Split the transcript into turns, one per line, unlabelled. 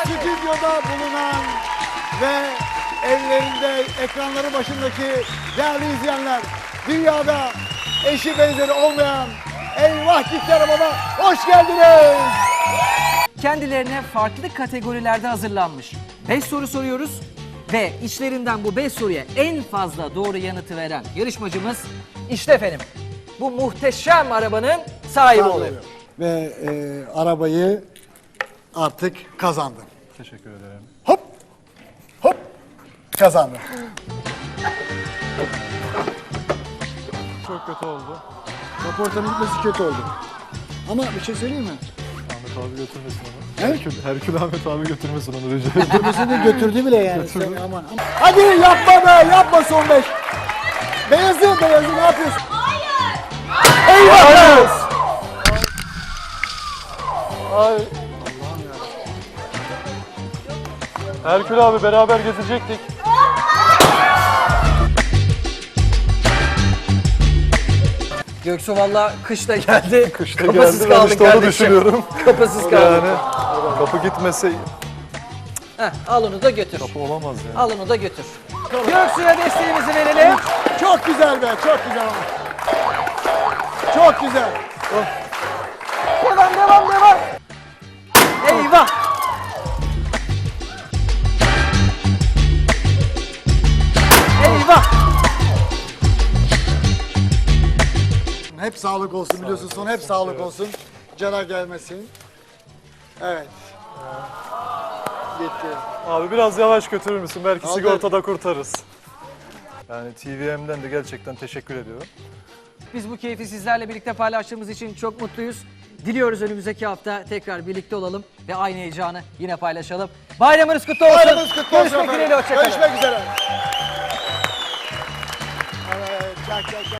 stüdyoda bulunan ve evlerinde ekranları başındaki değerli izleyenler, dünyada eşi benzeri olmayan Eyvah Gitti Arabama hoş geldiniz.
Kendilerine farklı kategorilerde hazırlanmış 5 soru soruyoruz ve içlerinden bu 5 soruya en fazla doğru yanıtı veren yarışmacımız işte efendim bu muhteşem arabanın sahibi oluyor.
Ve arabayı artık kazandım.
Teşekkür ederim.
Hop hop kazandım.
Çok kötü oldu.
Raportanın gitmesi kötü oldu. Ama bir şey söyleyeyim mi?
Ahmet abi götürmesin onu.
He?
Herkül Ahmet abi götürmesin onu rica ederim.
Götürmesini götürdü bile yani. Sen aman. Hadi yapma be, yapma son 5. Beyazı ne yapıyorsun? Hayır. Eyvah!
Ay. Herkül abi beraber gezecektik.
Göksu valla kışta geldi.
Kışta
Kapısız
geldi, ben
kaldın
işte onu
kardeşim.
düşünüyorum.
Kapısız kaldın.
Yani kapı gitmese
Heh, al onu da götür.
kapı olamaz yani.
Al onu da götür. Göksu'ya desteğimizi verelim.
Çok güzel be, çok güzel ama. Çok güzel.
Devam. Eyvah. Eyvah.
Hep sağlık olsun biliyorsun, son hep sağlık olsun. Cana gelmesin. Evet. Gitti.
Abi biraz yavaş götürür müsün? Belki
Aldı.
sigortada kurtarırız. Yani TVM'den de gerçekten teşekkür ediyorum.
Biz bu keyfi sizlerle birlikte paylaştığımız için çok mutluyuz. Diliyoruz önümüzdeki hafta tekrar birlikte olalım ve aynı heyecanı yine paylaşalım. Bayramınız kutlu olsun.
Bayramınız kutlu olsun.
Görüşmek dileğiyle, hoşça kalın.
Görüşmek üzere. Evet, çak.